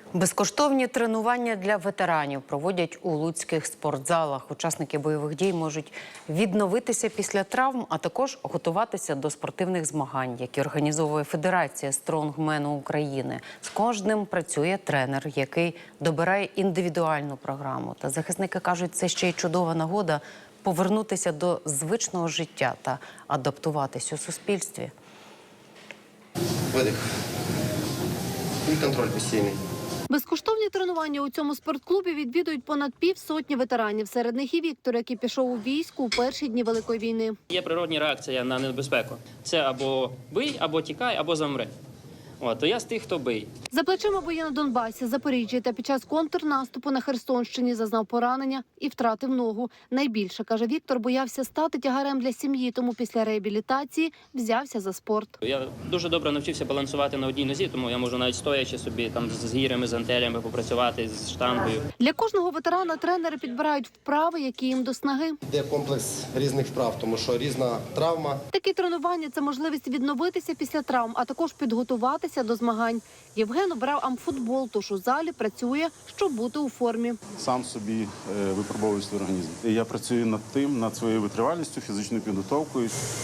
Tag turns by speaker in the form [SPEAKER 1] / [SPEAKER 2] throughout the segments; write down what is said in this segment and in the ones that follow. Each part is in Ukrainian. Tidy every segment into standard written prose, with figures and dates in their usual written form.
[SPEAKER 1] Безкоштовні тренування для ветеранів проводять у луцьких спортзалах. Учасники бойових дій можуть відновитися після травм, а також готуватися до спортивних змагань, які організовує Федерація стронгмену України. З кожним працює тренер, який добирає індивідуальну програму. Та захисники кажуть, це ще й чудова нагода повернутися до звичного життя та адаптуватись у суспільстві.
[SPEAKER 2] Видих. І контроль постійний.
[SPEAKER 3] Безкоштовні тренування у цьому спортклубі відвідують понад півсотні ветеранів. Серед них і Віктор, який пішов у війську у перші дні Великої війни.
[SPEAKER 4] Є природна реакція на небезпеку. Це або бий, або тікай, або замри. То я з тих, хто бий.
[SPEAKER 3] За плечима бої на Донбасі, Запоріжжі та під час контрнаступу на Херсонщині зазнав поранення і втратив ногу. Найбільше, каже Віктор, боявся стати тягарем для сім'ї, тому після реабілітації взявся за спорт.
[SPEAKER 4] Я дуже добре навчився балансувати на одній нозі, тому я можу навіть стоячи собі там з гірями, з антелями попрацювати, з штангою.
[SPEAKER 3] Для кожного ветерана тренери підбирають вправи, які їм до снаги.
[SPEAKER 2] Йде комплекс різних вправ, тому що різна травма.
[SPEAKER 3] Такі тренування – це можливість відновитися після травм, а також підготуватися до змагань. Євген обрав амфутбол, тож у залі працює, щоб бути у формі.
[SPEAKER 5] Сам собі випробовую свій організм. Я працюю над своєю витривалістю, фізичною підготовкою.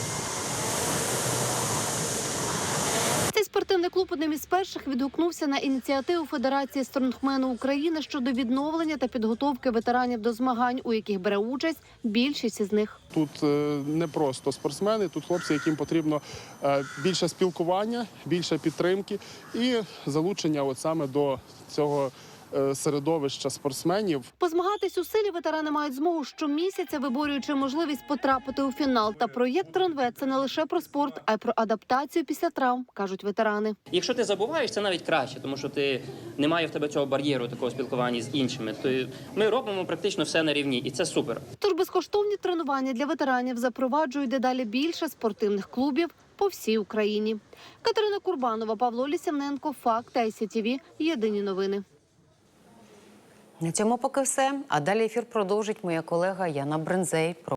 [SPEAKER 3] Цей спортивний клуб одним із перших відгукнувся на ініціативу Федерації стронгмену України щодо відновлення та підготовки ветеранів до змагань, у яких бере участь більшість із них.
[SPEAKER 6] Тут не просто спортсмени, тут хлопці, яким потрібно більше спілкування, більше підтримки і залучення саме до цього середовища спортсменів.
[SPEAKER 3] Позмагатись у силі ветерани мають змогу щомісяця, виборюючи можливість потрапити у фінал. Та проєкт «Тронвет» – це не лише про спорт, а й про адаптацію після травм, кажуть ветерани.
[SPEAKER 4] Якщо ти забуваєш, це навіть краще, тому що немає в тебе цього бар'єру, такого спілкування з іншими. Ми робимо практично все на рівні, і це супер.
[SPEAKER 3] Тож безкоштовні тренування для ветеранів запроваджують дедалі більше спортивних клубів по всій Україні. Катерина Курбанова, Павло Лісівненко, Факт, ICTV, Єдині новини.
[SPEAKER 1] На цьому поки все. А далі ефір продовжить моя колега Яна Брензей.